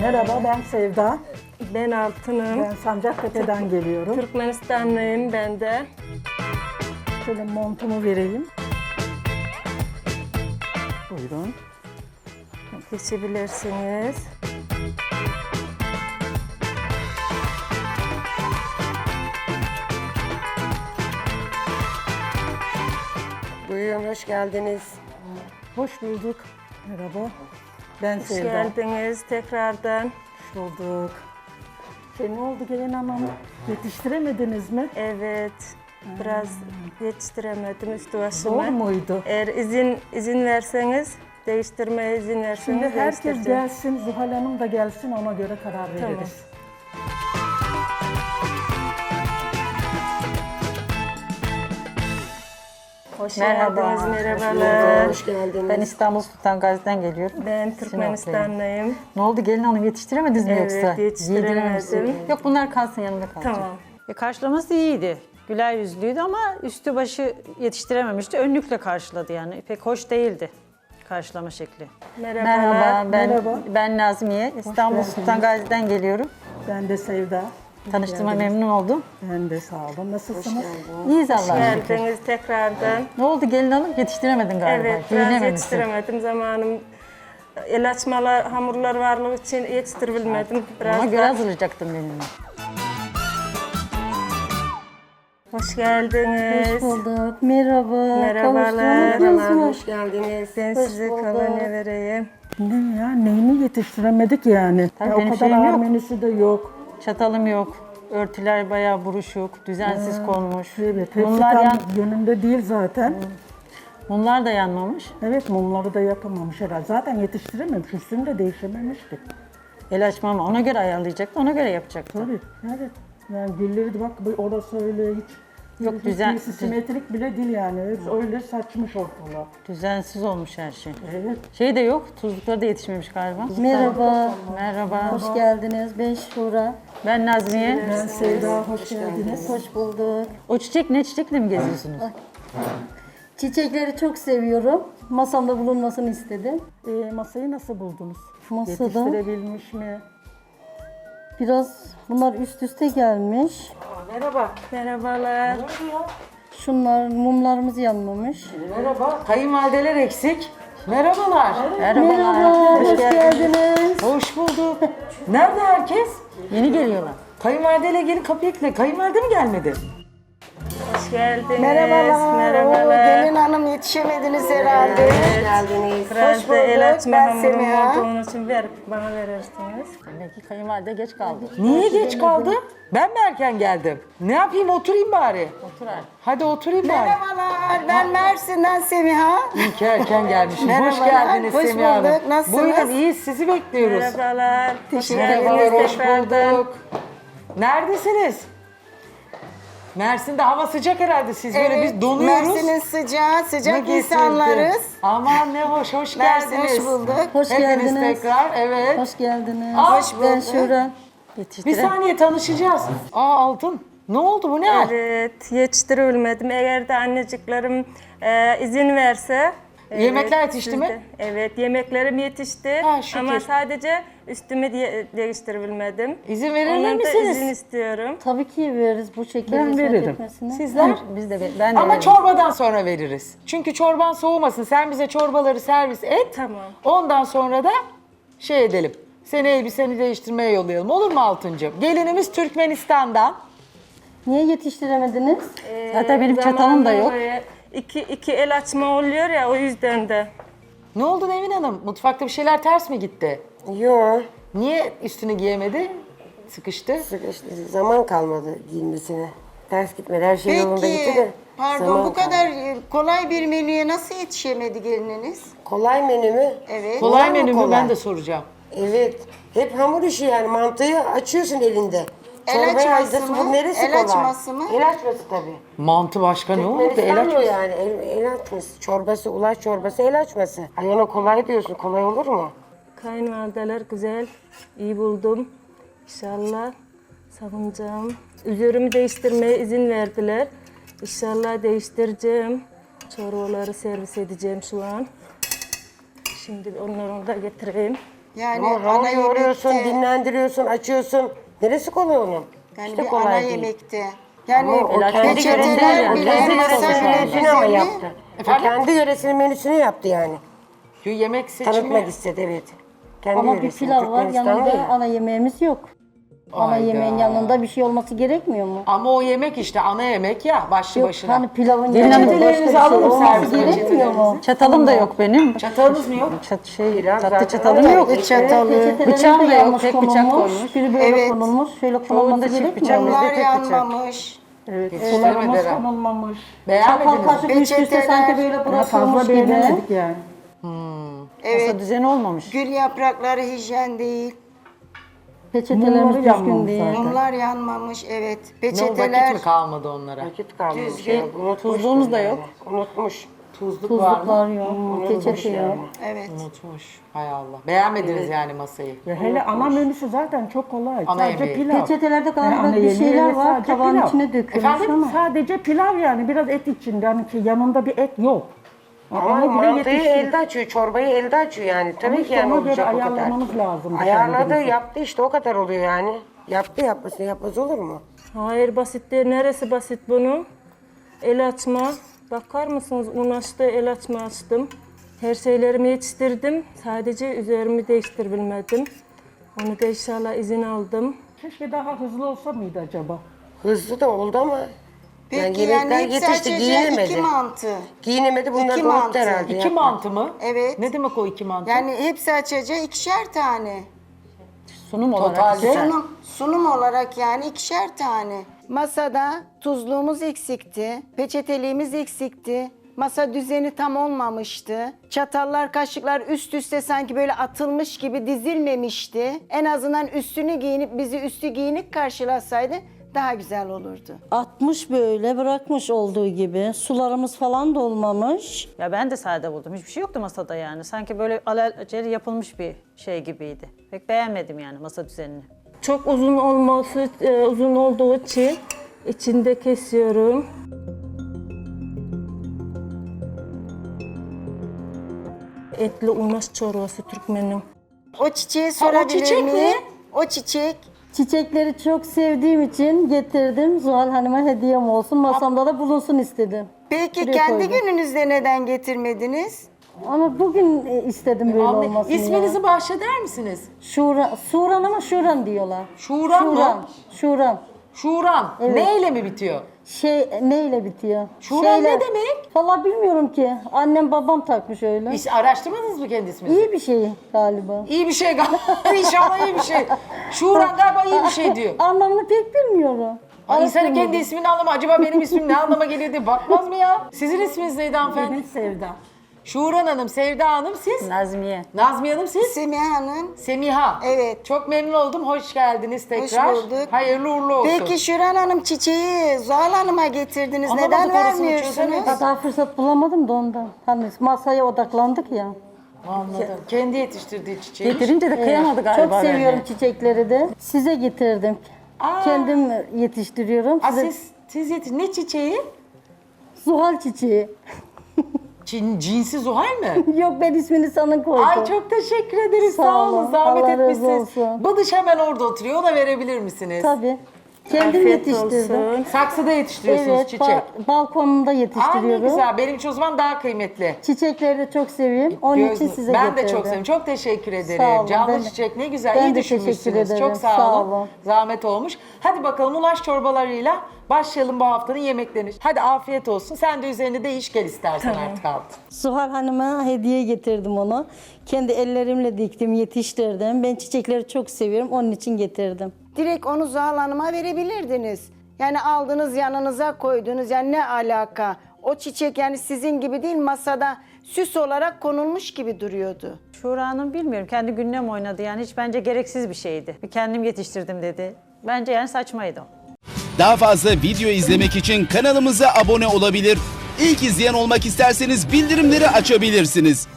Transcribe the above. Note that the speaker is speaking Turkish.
Merhaba, ben Sevda. Ben Altın'ım. Ben Sancaktepe'den geliyorum. Türkmenistanlıyım ben de. Şöyle montumu vereyim. Buyurun. Geçebilirsiniz. Buyurun, hoş geldiniz. Hoş bulduk. Merhaba. Ben Hoş Sevda. geldiniz tekrardan. Hoş bulduk. Ne oldu gelin hanım? Yetiştiremediniz mi? Evet, biraz yetiştiremedim üstü Zor başıma. muydu? Eğer izin verseniz, değiştirmeye izin verseniz Şimdi herkes değiştireceğim. gelsin, Zuhal Hanım da gelsin, ona göre karar Tamam. veririz. Hoş Merhaba. geldiniz, merhabalar. Hoş geldiniz. Ben İstanbul Sultan Gazi'den geliyorum. Ben Türkmenistanlıyım. Ne oldu gelin hanım yetiştiremediniz mi Evet, yoksa? yetiştiremedim. Yedirememişsiniz. Yok bunlar kalsın yanımda kalacak. Tamam. Karşılaması iyiydi. Güler yüzlüydü ama üstü başı yetiştirememişti. Önlükle karşıladı yani. Pek hoş değildi karşılama şekli. Merhabalar. Merhaba, Merhaba. ben Nazmiye. İstanbul geldiniz. Sultan Gazi'den geliyorum. Ben de Sevda. Tanıştığıma memnun oldum. Ben de sağ olun. Nasılsınız? İyiyiz Allah'a şükür. Geldiniz tekrardan. Ne oldu gelin hanım? Yetiştiremedin galiba. Evet, biraz Giyinememişsin. yetiştiremedim. Zamanım el açmalar, hamurlar varlığı için yetiştirebilmedim. Biraz Ona da- göre hazırlayacaktım gelinimi. Hoş geldiniz. Hoş bulduk. Merhaba. Merhabalar. Merhabalar, hoş geldiniz. Ben size kolonya vereyim. Ne ya, neyini yetiştiremedik yani? Tabii Ya, o benim kadar şeyim ağır yok. menüsü de yok. Çatalım yok. Örtüler bayağı buruşuk, düzensiz konmuş. Evet, hepsi Mumlar, tam yönünde değil zaten. mumlar da yanmamış. Evet, mumları da yapamamış herhalde. Zaten yetiştirememiş, üstünü de değişememişti. El açmam ona göre ayarlayacaktı, ona göre yapacaktı. Tabii, evet. Yani gülleri de bak, orası öyle hiç... Yok, hiç düzen- simetrik bile değil yani. Öyle saçmış ortalığı. Düzensiz olmuş her şey. Evet. Şey de yok, tuzlukları da yetişmemiş galiba. Merhaba. Merhaba. Hoş geldiniz. Ben Şura. Ben Nazmiye. Ben Sevda, hoş geldiniz. Hoş bulduk. O çiçek ne çiçekle mi geziyorsunuz? Çiçekleri çok seviyorum. Masamda bulunmasını istedim. Masayı nasıl buldunuz? Masada Yetiştirebilmiş mi? biraz bunlar üst üste gelmiş. Merhabalar. Şunlar mumlarımız yanmamış. Merhaba, kayınvalideler eksik. Merhabalar. Merhaba. Hoş geldiniz. Hoş bulduk. Nerede herkes? Yeni geliyorlar. Kayınvalideyle gelin kapıyı kile. Kayınvalide mi gelmedi? Hoş geldiniz. Merhabalar. Merhabalar. Gelin hanım yetişemediniz herhalde. Hoş geldiniz. Biraz da el açma Ben hamurum Semiha. olduğunu için bana verirsiniz. Demek ki kayınvalide geç kaldı. Niye geç kaldı? Ben mi erken geldim? Ne yapayım, oturayım bari. Otur artık. Hadi oturayım bari. Merhabalar, ben Mersin'den Semiha. İyi ki erken gelmişim. Hoş Merhabalar, geldiniz hoş Semiha Hanım. bulduk. Nasılsınız? Buyurun, iyiyiz. Sizi bekliyoruz. Merhabalar. Hoş Merhabalar, geldiniz hoş tekrardan. bulduk. Neredesiniz? Mersin'de hava sıcak herhalde. Siz böyle biz donuyoruz. Mersin'in sıcağı, Ne sıcak getirdi? insanlarız. Aman ne hoş Mersin, geldiniz. hoş bulduk. Hoş Hepiniz geldiniz. tekrar, evet. Hoş geldiniz. Hoş Ben bulduk. Şura. Bir saniye tanışacağız. Altın. Ne oldu bu ne hal? Evet, yetiştirebilmedim. Eğer de anneciklerim izin verse... Yemekler yetişti siz mi? de- Evet, yemeklerim yetişti. Ha, şükür. Ama sadece üstümü değiştirebilmedim. İzin verirler Ondan da misiniz? izin istiyorum. Tabii ki veririz bu şekilde Ben hizmet veririm. etmesine. Sizler? Biz de ben de Ama veririm. çorbadan sonra veririz. Çünkü çorban soğumasın. Sen bize çorbaları servis et. Tamam. Ondan sonra da şey edelim. Seni elbiseni değiştirmeye yollayalım. Olur mu Altıncığım? Gelinimiz Türkmenistan'dan. Niye yetiştiremediniz? Zaten benim çatalım da yok. Böyle iki el açma oluyor ya, o yüzden de. Ne oldu Nevin Hanım? Mutfakta bir şeyler ters mi gitti? Yok, Niye üstünü giyemedi? Sıkıştı. işte zaman kalmadı giyinmesine. Ters gitmedi, her şey yolunda gitti de. Peki, pardon zaman bu kalmadı. kadar kolay bir menüye nasıl yetişemedi gelininiz? Kolay menü mü? Evet. Kolay Var mı menü mü? kolay? Ben de soracağım. Evet. Hep hamur işi yani, mantıyı açıyorsun elinde. El Çorbaya açması hazırsın, mı? bu neresi El kolay? açması mı? El açması tabii. Mantı başka ne oldu? El Türkmenistan o açması. yani, el açması. Çorbası, ulaş çorbası, el açması. Ay ona kolay diyorsun, kolay olur mu? Kayınvalideler güzel, iyi buldum. İnşallah savunacağım. Üzerimi değiştirmeye izin verdiler. İnşallah değiştireceğim. Çorbaları servis edeceğim şu an. Şimdi onları da getireyim. Yani Ama hamur ana yoğuruyorsun, yemekte, dinlendiriyorsun, açıyorsun. Neresi kolay onun? yani İşte bir kolay ana değil. yemekte. Yani Ama o kendi peçeteler yöresinin, bile kendi masa yöresinin menüsünü ama düzeni. yaptı. O Efendim? kendi yöresinin menüsünü yaptı yani. Yemek seçimi. Tanıtmak istedi, evet. Kendi Ama bir yöresini, pilav var, Türkmenistan yanında ya. ana yemeğimiz yok. Ana Hayda. yemeğin yanında bir şey olması gerekmiyor mu? Ama o yemek işte ana yemek ya başlı Yok, başına. hani pilavın Gelin yanında başka bir peçetelerinizi şey alalım, olması servis gerekmiyor mu? Çatalım da yok benim. Çatalınız mı yok? Pilav Tatlı zaten çatalım öyle. yok. çatalı. Peçetelerin Bıçağım de da yok, yanlış tek bıçak konulmuş. koymuş. Biri böyle Evet. konulmuş, şöyle konulması Çoğunda çift gerekmiyor bıçak, mu? bizde Bunlar tek bıçak. yanmamış. Sularımız Yetiştiremediler. konulmamış. Çatal Beğenmediniz mi? kaşık üst üste Peçeteler. sanki böyle Daha bırakılmış fazla gibi. beğenemedik yani. Evet. Masa düzeni olmamış. Gül yaprakları hijyen değil. Peçetelerimiz Mumları düzgün yanmamış değil. zaten. Mumlar yanmamış, evet. Ne vakit Peçeteler mi kalmadı onlara? Vakit kalmış. Düzgün. ya, unutmuş Tuzluğumuz da yani. yok. Unutmuş. Tuzluk var mı? Tuzluklar yok, peçete yok. evet. Unutmuş. Hay Allah. Beğenmediniz yani masayı. Ya hele ana menüsü zaten çok kolay. Ana Sadece yemeği. pilav. Peçetelerde Yani galiba ana bir yemeği şeyler ve var, sadece tabağın pilav. içine dökülmüş Efendim? ama. Sadece pilav yani biraz et içinde. Hani ki yanında bir et yok. Ama Onu bile mantıyı yetiştirdi. elde açıyor, çorbayı elde açıyor yani. Tabii Ama ki yani ona göre olacak o kadar. ayarlamamız lazım. Ayarladı, kendimizi. yaptı işte o kadar oluyor yani. Yaptı yapmaz olur mu? Hayır basit değil. Neresi basit bunun? El açma. Bakar mısınız? Un açtı, el açma açtım. Her şeylerimi yetiştirdim. Sadece üzerimi değiştirebilmedim. Onu da inşallah izin aldım. Keşke daha hızlı olsa mıydı acaba? Hızlı da oldu ama Peki yani yani yemekler hepsi yetişti, açacak giyinemedi. iki mantı. Giyinemedi, bunlar İki da mantı. unuttu herhalde. İki mantı mı? Evet. Ne demek o iki mantı? Yani hepsi açacak ikişer tane. Sunum olarak. Totalde. Sunum olarak yani ikişer tane. Masada tuzluğumuz eksikti, peçeteliğimiz eksikti. Masa düzeni tam olmamıştı. Çatallar, kaşıklar üst üste sanki böyle atılmış gibi dizilmemişti. En azından üstünü giyinip bizi üstü giyinik karşılasaydı daha güzel olurdu. 60 böyle bırakmış olduğu gibi. Sularımız falan da olmamış. Ya ben de sade buldum. Hiçbir şey yoktu masada yani. Sanki böyle alelacele yapılmış bir şey gibiydi. Pek beğenmedim yani masa düzenini. Çok uzun olması, uzun olduğu için içinde kesiyorum. Etli unaş çorbası Türkmenim. O çiçeği sorabilir çiçek miyim? mi? O çiçek. Çiçekleri çok sevdiğim için getirdim. Zuhal Hanım'a hediyem olsun. Masamda da bulunsun istedim. Peki Buraya kendi koydum. gününüzde neden getirmediniz? Ama bugün istedim böyle olmasını. İsminizi ya. bahşeder misiniz? Şuran ama Şuran diyorlar. Şuran mı? Şuran. Şuran. Evet. Neyle mi bitiyor? Neyle bitiyor? Şuran ne demek? Valla bilmiyorum ki. Annem babam takmış öyle. Hiç araştırmadınız mı kendi isminizi? İyi bir şey galiba. İyi bir şey galiba. İnşallah iyi bir şey. Şuran galiba iyi bir şey diyor. Anlamını pek bilmiyorum. İnsanın kendi Araştırmadım. ismini anlama. Acaba benim ismim ne anlama geliyor diye bakmaz mı ya? Sizin isminiz neydi hanımefendi? Benim Sevda. Şuran Hanım, Sevda Hanım siz? Nazmiye. Nazmiye Hanım siz? Semiha Hanım. Semiha. Evet. Çok memnun oldum. Hoş geldiniz tekrar. bulduk. Hayırlı uğurlu olsun. Peki Şuran Hanım çiçeği Zuhal Hanım'a getirdiniz. Anlamadık Neden orasını, vermiyorsunuz? çözemedik. Daha fırsat bulamadım da ondan. Hani masaya odaklandık ya. Anladım. Kendi yetiştirdiği çiçeği. Getirince de kıyamadı galiba. Çok seviyorum bence. çiçekleri de. Size getirdim. Kendim yetiştiriyorum. Aa, Size siz ne çiçeği? Zuhal çiçeği. Cinsi Zuhal mi? Yok ben ismini sana koydum. Ay çok teşekkür ederiz. Sağ Sağ olun. olun. Zahmet Allah razı etmişsiniz. olsun. Bıdış hemen orada oturuyor. Ona verebilir misiniz? Tabii. Kendim Afiyet yetiştirdim. olsun. Saksıda yetiştiriyorsunuz Evet, çiçek. balkonumda Aa ne yetiştiriyorum. güzel. Benim için o zaman daha kıymetli. Çiçekleri de çok seviyorum. Onun için size ben getirdim. de çok seviyorum. Çok teşekkür ederim. Sağ olun, Canlı ben de- çiçek ne güzel. ben İyi de düşünmüşsünüz. teşekkür ederim. Çok sağ, Sağ olun. olun. Zahmet olmuş. Hadi bakalım ulaş çorbalarıyla başlayalım bu haftanın yemeklerini. Hadi afiyet olsun. Sen de üzerine değiş gel istersen artık altın. Zuhal Hanım'a hediye getirdim onu. Kendi ellerimle diktim, yetiştirdim. Ben çiçekleri çok seviyorum. Onun için getirdim. Direkt onu Zuhal Hanım'a verebilirdiniz. Yani aldınız yanınıza koydunuz. Yani ne alaka? O çiçek yani sizin gibi değil masada süs olarak konulmuş gibi duruyordu. Şura Hanım bilmiyorum. Kendi gününe mi oynadı yani? Hiç bence gereksiz bir şeydi. Bir kendim yetiştirdim dedi. Bence yani saçmaydı o. Daha fazla video izlemek için kanalımıza abone olabilir. İlk izleyen olmak isterseniz bildirimleri açabilirsiniz.